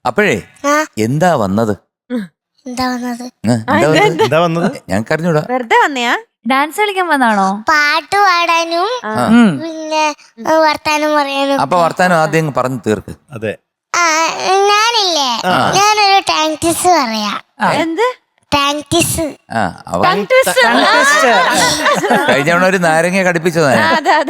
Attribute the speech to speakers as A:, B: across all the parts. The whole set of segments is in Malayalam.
A: അപ്പോഴേ എന്താ വന്നത്?
B: എന്താ വന്നത്?
A: ഞങ്ങൾക്ക് അറിഞ്ഞൂടാ.
C: വെറുതെ വന്നയാ?
D: ഡാൻസ് കളിക്കാൻ വന്നാണോ?
E: പാട്ട് പാടാനും പിന്നെ വർത്താനം പറയാനും.
A: അപ്പൊ വർത്താനം ആദ്യം പറഞ്ഞു തീർക്ക്.
B: അതെ,
E: ഞാനില്ലേ, ഞാനൊരു ടാങ്ക്സ് പറയാ.
C: എന്ത്
E: ടാങ്ക്സ്?
A: കഴിഞ്ഞ തവണ ഒരു നാരങ്ങ കടിപ്പിച്ചതാണ്.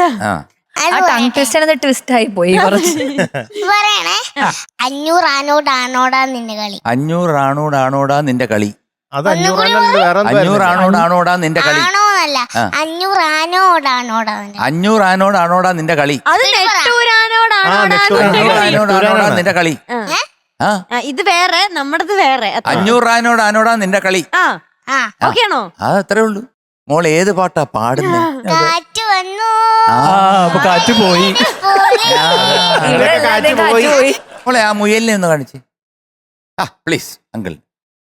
D: ട്വിസ്റ്റ് ആയി പോയി കുറച്ച്.
E: പറയണേ, 500 ആണോടാ നിന്റെ കളി.
A: 500 ആണോടാ നിന്റെ കളി.
B: അത് 500
A: ആണോടാ നിന്റെ കളി.
E: ആണോന്നല്ല, 500 ആണോടാ.
A: 500 ആണോടാ നിന്റെ കളി.
C: അത്
A: നെട്ടൂരാനോടാ നിന്റെ കളി.
C: ഇത് വേറെ, നമ്മുടേത് വേറെ.
A: 500 ആണോടാ നിന്റെ കളി.
C: ഓക്കെ ആണോ?
A: അത് അത്രേ ഉള്ളൂ. മോൾ ഏത് പാട്ടാ പാടുന്നത്?
E: കാറ്റ് വന്നു.
B: അപ്പൊ കാറ്റ് പോയി.
A: മോളെ ആ മുയലിനെ ഒന്ന് കാണിച്ച്. Please uncle.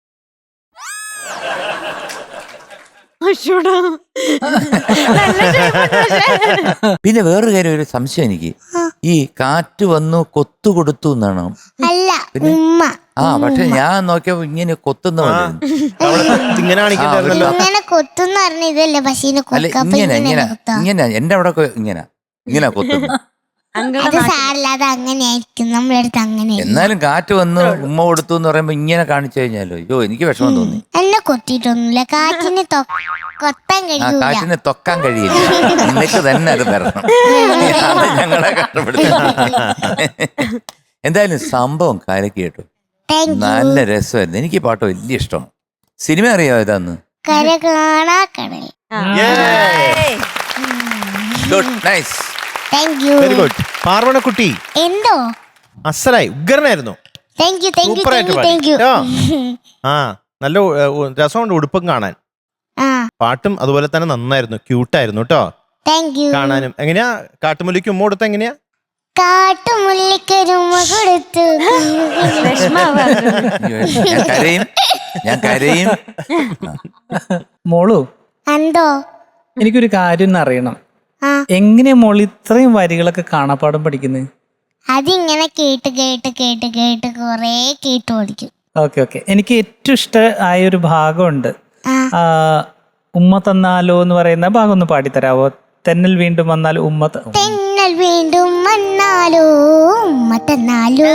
A: പിന്നെ വേറൊരു കാര്യം, ഒരു സംശയം എനിക്ക്. ഈ കാറ്റ് വന്നു കൊത്തു കൊടുത്തു എന്നാണോ?
E: അല്ല, ഉമ്മ.
A: പക്ഷെ ഞാൻ നോക്കിയപ്പോ ഇങ്ങനെ കൊത്തുന്ന
E: ഇങ്ങനെ കൊത്തുന്ന പറഞ്ഞ ഇതല്ലേ പശീനെ
A: ഇങ്ങനെ എന്റെ അവിടെ ഇങ്ങനെ കൊത്തുന്നു.
E: അത് സാരല്ലാതെ അങ്ങനെയായിരിക്കും നമ്മളെടുത്ത്. അങ്ങനെ
A: എന്നാലും കാറ്റ് വന്ന് ഉമ്മ കൊടുത്തു എന്ന് പറയുമ്പോ ഇങ്ങനെ കാണിച്ചു കഴിഞ്ഞാലോ, അയ്യോ എനിക്ക് വിഷമം തോന്നി.
E: എന്നെ കൊത്തിയിട്ടൊന്നുമില്ല. കാറ്റിന് കൊത്താൻ കഴിയൂല.
A: കാറ്റിനെ തൊക്കാൻ കഴിയില്ല. എന്നിട്ട് തന്നെ അത് വരണം. അത് ഞങ്ങളെ കഷ്ടപ്പെടുത്തി. എന്തായാലും സംഭവം കലക്കി കേട്ടോ. നല്ല രസമായിരുന്നു. എനിക്ക് ഈ പാട്ട് വലിയ ഇഷ്ടമാണ്. സിനിമ അറിയാമോ ഇതാന്ന്?
E: കര കാണാ കടൽ.
A: Good, nice.
B: Very good. പാർവണക്കുട്ടി
E: എന്തോ
B: അസലായി, ഉഗ്രനായിരുന്നു. നല്ല രസമുണ്ട് ഉടുപ്പും കാണാൻ. പാട്ടും അതുപോലെ തന്നെ നന്നായിരുന്നു, ക്യൂട്ടായിരുന്നു കേട്ടോ കാണാനും. എങ്ങനെയാ കാട്ടുമുല്ലിക്ക് ഉമ്മ കൊടുത്ത? എങ്ങനെയാ?
E: കാട്ടുമുല്ലിക്കൊരുമ്മ കൊടുത്തു.
A: ഞാൻ കരയും.
F: മോളു,
E: എന്തോ
F: എനിക്കൊരു കാര്യം അറിയണം. എങ്ങനെയാ മോള് ഇത്രയും വരികളൊക്കെ കാണാപ്പാടം പഠിക്കുന്നത്?
E: അതിങ്ങനെ കേട്ട് കൊറേ കേട്ടു പഠിക്കും.
F: ഓക്കെ. എനിക്ക് ഏറ്റവും ഇഷ്ടമായ ഒരു ഭാഗമുണ്ട്. ഉമ്മ തന്നാലോ എന്ന് പറയുന്ന ഭാഗം ഒന്ന് പാടിത്തരാവോ? തെന്നൽ വീണ്ടും വന്നാലോ ഉമ്മ
E: തെന്നൽ വീണ്ടും വന്നാലോ ഉമ്മ തന്നാലോ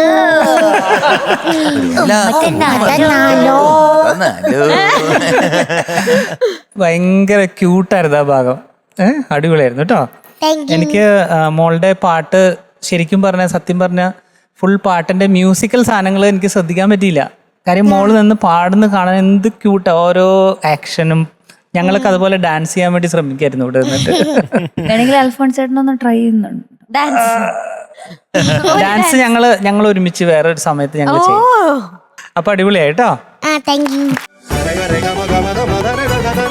F: ഭയങ്കര ക്യൂട്ടായിരുന്നു ആ ഭാഗം. അടിപൊളിയായിരുന്നു കേട്ടോ. എനിക്ക് മോളുടെ പാട്ട് ശരിക്കും പറഞ്ഞ സത്യം പറഞ്ഞ ഫുൾ പാട്ടിന്റെ മ്യൂസിക്കൽ സാധനങ്ങൾ എനിക്ക് ശ്രദ്ധിക്കാൻ പറ്റിയില്ല. കാര്യം മോള് നിന്ന് പാടുന്ന കാണാൻ എന്ത് ക്യൂട്ടാ, ഓരോ ആക്ഷനും. ഞങ്ങളൊക്കെ അതുപോലെ ഡാൻസ് ചെയ്യാൻ വേണ്ടി ശ്രമിക്കായിരുന്നു ഇവിടെ നിന്നിട്ട്.
D: അൽഫോൺസ് ചേട്ടനൊന്ന് ട്രൈ ചെയ്യുന്നുണ്ട്
F: ഡാൻസ്. ഞങ്ങൾ ഒരുമിച്ച് വേറൊരു സമയത്ത് ഞങ്ങൾ ചെയ്യും. അപ്പൊ അടിപൊളിയായിട്ടോ.
E: Thank you.